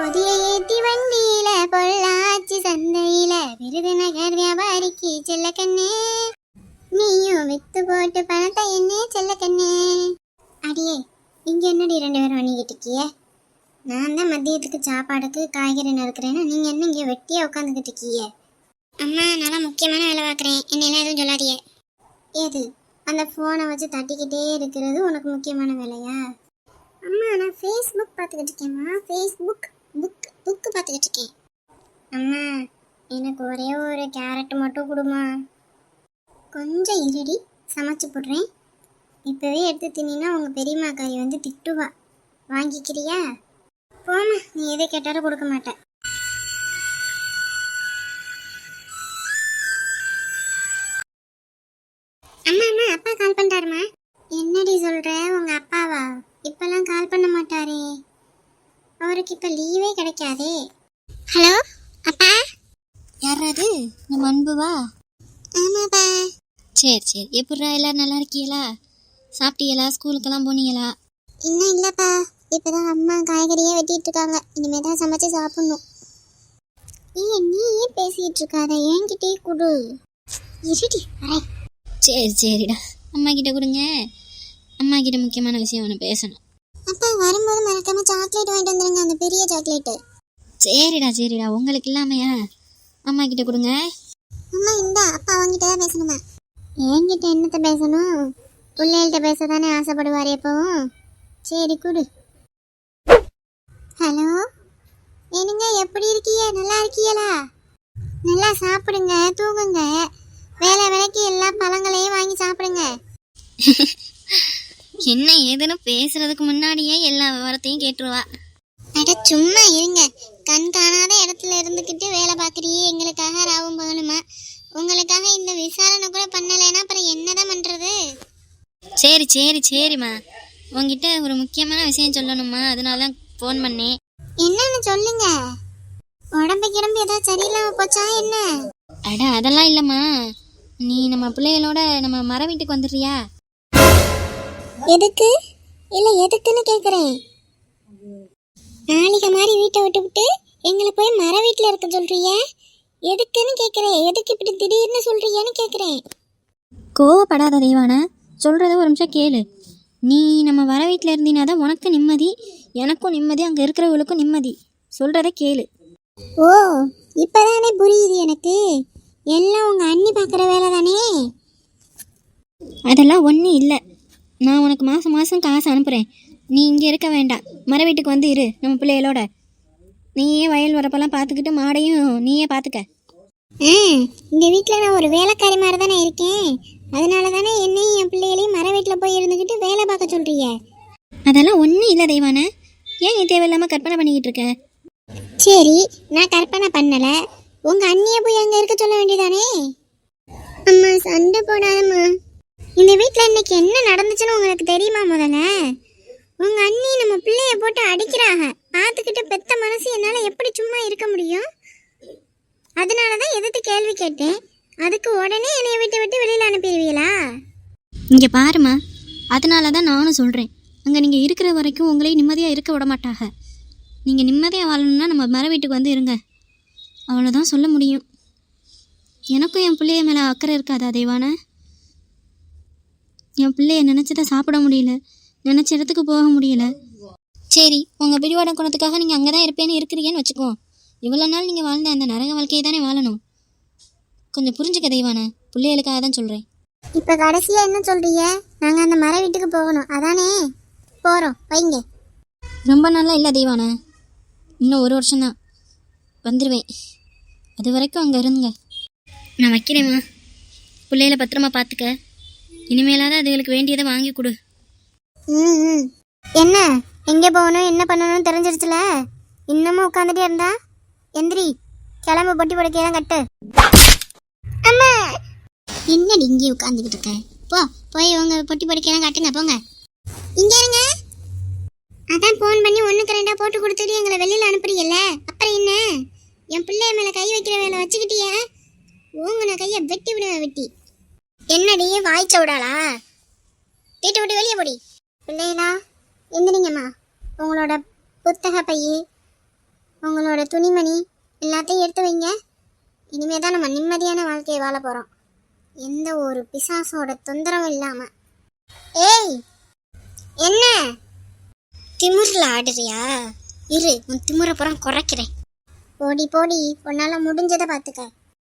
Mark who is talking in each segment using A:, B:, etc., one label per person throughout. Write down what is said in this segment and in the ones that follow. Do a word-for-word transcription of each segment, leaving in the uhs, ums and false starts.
A: பொதிய ஏத்தி வண்டியில பொள்ளாச்சி சந்தையில விருதுநகர் வியாபாரிக்கு செல்ல கண்ணே, நீயும் வித்து போட்டு பணத்தை என்ன செல்ல கண்ணே. அடியே, இங்க என்னடி ரெண்டு பேரும் பண்ணிக்கிட்டு இருக்கிய? நான் தான் மதியத்துக்கு சாப்பாடுக்கு காய்கறி நறுக்கிறேன்னா நீங்க என்ன இங்க வெட்டியா உட்காந்துக்கிட்டு இருக்கீங்க? அம்மா, நல்லா முக்கியமான வேலை பார்க்குறேன், என்னெல்லாம் எதுவும் சொல்லாதியே. ஏது அந்த ஃபோனை வச்சு தட்டிக்கிட்டே இருக்கிறது உனக்கு முக்கியமான வேலையா? அம்மா, நான் ஃபேஸ்புக் பார்த்துக்கிட்டு இருக்கேம்மா. ஃபேஸ்புக் புக் புக்கு பார்த்துக்கிட்டு இருக்கேன். அம்மா, எனக்கு ஒரே ஒரு கேரட் மட்டும் கொடுமா. கொஞ்சம் இருடி, சமைச்சு போடுறேன். இப்போவே எடுத்து தின்னா உங்கள் பெரியம்மாக்காரி வந்து திட்டுவா. வாங்கிக்கிறியா? போமா, நீ எதை கேட்டாலும் கொடுக்க மாட்டேன். அம்மா அம்மா, அப்பா கால் பண்ணிட்டாருமா. என்னடி சொல்ற? உங்க அப்பாவா? இப்பெல்லாம் கால் பண்ண மாட்டாரே, அவருக்கு இப்ப லீவே கிடைக்காதே. ஹலோ அப்பா.
B: யாராது? நம்ம அன்புவா?
A: ஆமாப்பா.
B: சரி சரி, எப்படிரா எல்லாரும் நல்லா இருக்கீங்களா? சாப்பிட்டீங்களா? ஸ்கூலுக்கெல்லாம் போனீங்களா?
A: இன்னும் இல்லப்பா, இப்பதான் அம்மா காய்கறியே வெட்டிட்டு இருக்காங்க, இனிமே தான் சமைச்சு சாப்பிடணும். ஏன் நீ ஏன் பேசிட்டு இருக்காத, என்கிட்டே கொடு. இருடி வரேன்.
B: சரி சரிடா, அம்மா கிட்ட கொடுங்க. அம்மா கிட்ட முக்கியமான விஷயம் ஒன்று பேசணும்.
A: அப்பா, வரும்போது மறக்காம சாக்லேட் வாங்கிட்டு வந்துருங்க, அந்த பெரிய சாக்லேட்டு.
B: சரிடா சரிடா, உங்களுக்கு இல்லாமையா? அம்மா கிட்ட கொடுங்க.
A: அம்மா இந்தா, அப்பா அவங்கிட்ட தான் பேசணுமா? என்கிட்ட என்னத்த பேசணும்? பிள்ளைகள்கிட்ட பேச தானே ஆசைப்படுவார் எப்பவும். சரி கொடு. ஹலோ, என்னங்க, எப்படி இருக்கீங்க? நல்லா இருக்கீங்களா? நல்லா சாப்பிடுங்க, தூங்குங்க, வேலை வேலைக்கு எல்லா பழங்களையும் வாங்கி சாப்பிடுங்க.
B: என்ன ஏதுன்னு பேசுறதுக்கு முன்னாடியே எல்லா விவரத்தையும் கேட்டுருவா.
A: அட சும்மா இருங்க, கண் காணாத இடத்துல இருந்துக்கிட்டு வேலை பார்க்குறியே எங்களுக்காக ராவும் பகலுமா. உங்களுக்காக இந்த விசாரணை கூட பண்ணலைன்னா அப்புறம் என்னதான் பண்றது?
B: சரி சரி சரிம்மா, உங்ககிட்ட ஒரு முக்கியமான விஷயம் சொல்லணுமா, அதனால தான் ஃபோன் பண்ணேன்.
A: என்னன்னு சொல்லுங்க. உடம்பு கிடம்பு ஏதாவது சரியில்லாம போச்சா என்ன?
B: அட அதெல்லாம் இல்லைம்மா, நீ நம்ம பிள்ளைகளோட நம்ம மர வீட்டுக்கு வந்துடுறியா?
A: எதுக்கு? இல்லை எதுக்குன்னு கேட்குறேன். நாளைக்கு மாதிரி வீட்டை விட்டு விட்டு எங்களை போய் மர வீட்டில் இருக்க சொல்றிய? எதுக்குன்னு கேட்குறேன். எதுக்கு இப்படி திடீர்னு சொல்றியன்னு கேட்குறேன்.
B: கோவப்படாத தெய்வான, சொல்கிறத ஒரு நிமிஷம் கேளு. நீ நம்ம வர வீட்டில் இருந்தீங்கன்னா தான் உனக்கு நிம்மதி, எனக்கும் நிம்மதி, அங்கே இருக்கிறவங்களுக்கும் நிம்மதி. சொல்கிறத கேளு.
A: ஓ, இப்போதானே புரியுது எனக்கு. எல்லாம் உங்கள் அண்ணி பார்க்குற வேலை தானே?
B: அதெல்லாம் ஒன்றும் இல்லை. நான் உனக்கு மாதம் மாதம் காசு அனுப்புகிறேன். நீ இங்கே இருக்க வேண்டாம், மர வீட்டுக்கு வந்து இரு நம்ம பிள்ளைகளோட. நீயே வயல் வரப்பெல்லாம் பார்த்துக்கிட்டு மாடையும் நீயே பார்த்துக்க.
A: ஆ, இந்த வீட்டில் நான் ஒரு வேலைக்காரி மாதிரி தானே இருக்கேன். அதனால தானே என்னையும் என் பிள்ளைகளையும் மர வீட்டில் போய் இருந்துக்கிட்டு வேலை பார்க்க சொல்கிறீங்க.
B: அதெல்லாம் ஒன்றும் இல்லை தெய்வான, ஏன் நீ தேவையில்லாமல் கற்பனை பண்ணிக்கிட்டு இருக்க?
A: சரி, நான் கற்பனை பண்ணலை. உங்கள் அண்ணியை போய் அங்கே இருக்க சொல்ல வேண்டியதானே? அம்மா சண்டை போடாதம்மா. இந்த வீட்டில் இன்னைக்கு என்ன நடந்துச்சுன்னு உங்களுக்கு தெரியுமா? முதல்ல உங்கள் அண்ணி நம்ம பிள்ளைய போட்டு அடிக்கிறாங்க. பார்த்துக்கிட்டு பெத்த மனசு என்னால் எப்படி சும்மா இருக்க முடியும்? அதனால தான் எதிர்த்து கேள்வி கேட்டேன். அதுக்கு உடனே என்னை விட்டு விட்டு வெளியில் அனுப்பிடுவீங்களா?
B: இங்கே பாருமா, அதனால தான் நானும் சொல்கிறேன், அங்கே நீங்கள் இருக்கிற வரைக்கும் உங்களையும் நிம்மதியாக இருக்க விட மாட்டாங்க. நீங்கள் நிம்மதியாக வாழணும்னா நம்ம மர வீட்டுக்கு வந்து இருங்க, அவ்வளோதான் சொல்ல முடியும். எனக்கும் என் பிள்ளைய மேலே அக்கறை இருக்காதா தெய்வான? என் பிள்ளைய நினச்சதை சாப்பிட முடியல, நினச்ச இடத்துக்கு போக முடியல. சரி, உங்கள் பிடிவாட குணத்துக்காக நீங்கள் அங்கே தான் இருப்பேன்னு இருக்கிறீங்கன்னு வச்சுக்குவோம். இவ்வளோ நாள் நீங்கள் வாழ்ந்த அந்த நரக வாழ்க்கையை தானே வாழணும். கொஞ்சம் புரிஞ்சுக்க தெய்வான, பிள்ளைகளுக்காக தான் சொல்கிறேன்.
A: இப்போ கடைசியாக என்ன சொல்கிறீங்க? நாங்கள் அந்த மர வீட்டுக்கு போகணும் அதானே? போகிறோம், வைங்க.
B: ரொம்ப நாளாக இல்லை தெய்வான, இன்னும் ஒரு வருஷம்தான் வந்துடுவேன். அது வரைக்கும் அங்கே இருந்துங்க. நான் வைக்கிறேம்மா, பிள்ளைகளை பத்திரமா பார்த்துக்க. இனிமேலாவது அதுகளுக்கு வேண்டியதை வாங்கி கொடு.
A: ம் ம் என்ன, எங்கே போகணும் என்ன பண்ணணும்னு தெரிஞ்சிருச்சுல? இன்னமும் உட்காந்துட்டே இருந்தா? எந்திரி, கிளம்பு, பொட்டி படுக்கையெல்லாம் கட்டு. அம்மா, என்னடி இங்கே உட்காந்துக்கிட்டு இருக்க? போ, போய் உங்க பொட்டி படுக்கையெல்லாம் கட்டுங்க, போங்க. இங்கே இருங்க. அதான் ஃபோன் பண்ணி ஒன்றுக்கு ரெண்டாக போட்டு கொடுத்துட்டு எங்களை வெளியில் அனுப்புறீங்கல்ல, அப்புறம் என்ன? என் பிள்ளைய மேலே கை வைக்கிற வேலை வச்சுக்கிட்டிய? ஓங்குன கையை வெட்டி விடுவேன், வெட்டி. என்னடி வாய்ச்ச விடாளா? வீட்டை விட்டு வெளியே போடி. பிள்ளைகளா, எந்திரிங்கம்மா. உங்களோட புத்தக பைய உங்களோட துணிமணி எல்லாத்தையும் எடுத்து வைங்க. இனிமே தான் நம்ம நிம்மதியான வாழ்க்கையை வாழ போகிறோம், எந்த ஒரு பிசாசோட தொந்தரவும் இல்லாமல். ஏய், என்ன திமிரில் ஆடுறியா? இரு, உன் திமிரை புறம் குறைக்கிறேன். போடி போடி, உன்னால் முடிஞ்சதை பார்த்துக்க.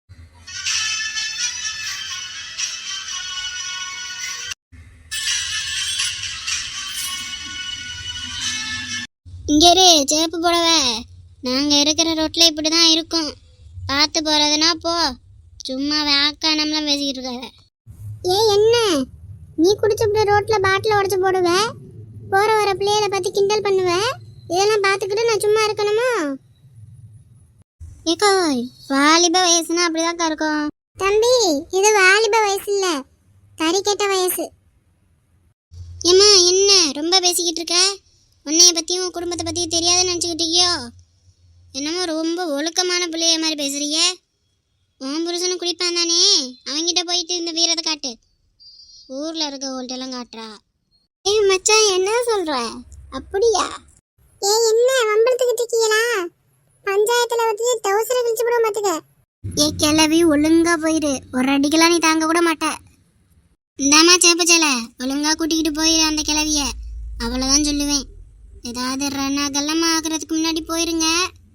A: இங்கே இரு, சேப்பு போடவ. நாங்கள் இருக்கிற ரோட்டில் இப்படி தான் இருக்கும். பார்த்து போகிறதுனா போ, சும்மா வேக்கானம்லாம் பேசிக்கிட்டு இருக்காத. ஏ என்ன, நீ குடிச்சப்பட ரோட்டில் பாட்டில் உடச்சி போடுவ, போகிற வர பிள்ளைகளை பற்றி கிண்டல் பண்ணுவ. இதெல்லாம் பார்த்துக்கிட்டு நான் சும்மா இருக்கணுமா? ஏக்கோ, வாலிப வயசுனா அப்படிதாக்கா இருக்கும். தம்பி, இது வாலிப வயசு இல்லை, கறி கெட்ட வயசு. ஏம்மா என்ன ரொம்ப பேசிக்கிட்டு இருக்க? உன்னைய பற்றியும் உன் குடும்பத்தை பற்றியும் தெரியாதுன்னு நினச்சிக்கிட்டியோ? என்னமோ ரொம்ப ஒழுக்கமான பிள்ளைய மாதிரி பேசுறீங்க. உன் புருஷனும் குடிப்பான் தானே, அவங்கிட்ட போயிட்டு இந்த வீரத்தை காட்டு. ஊரில் இருக்க ஓல்ட்டெல்லாம் காட்டுறா. ஏய் மச்சான், என்ன சொல்ற? அப்படியா? ஏ என்ன வம்பளத்துக்கிட்டு இருக்கீங்களா? பஞ்சாயத்தில் வச்சு தவசரை கழிச்சு போட மாட்டுக்க. ஏ கிளவி, ஒழுங்கா போயிரு, ஒரு அடிக்கெல்லாம் நீ தாங்க கூட மாட்ட. இந்தாமா சேப்பச்சல, ஒழுங்கா கூட்டிக்கிட்டு போயிரு அந்த கிளவிய, அவ்வளோதான் சொல்லுவேன். ஏதாவது ரணகலம் ஆகிறதுக்கு முன்னாடி போயிருங்க.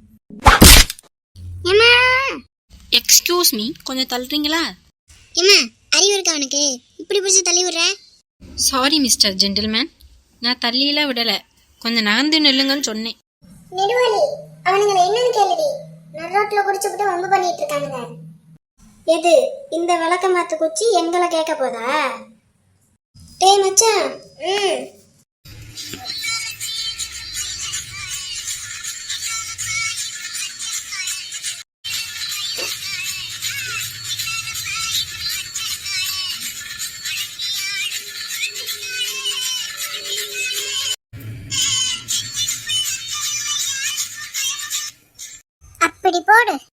A: ஏமா,
B: எக்ஸ்கியூஸ் மீ, கொஞ்சம் தள்ளுறீங்களா?
A: ஏமா, அறிவு இருக்கா அவனுக்கு? இப்படி பிடிச்சி தள்ளி விடுற?
B: சாரி மிஸ்டர் ஜென்டில்மேன், நான் தள்ளியெல்லாம் விடலை, கொஞ்சம் நகர்ந்து நில்லுங்கன்னு சொன்னேன்.
A: நெடுவாளி, அவனுங்களை என்னன்னு கேளுடி. நடுரோட்டில் குடிச்சுக்கிட்டு வம்பு பண்ணிட்டு இருக்கானுங்க. எது இந்த விளக்க மாத்து குச்சி எங்களை கேட்க போதா? டேய் மச்சான், ம் அப்படி போடு.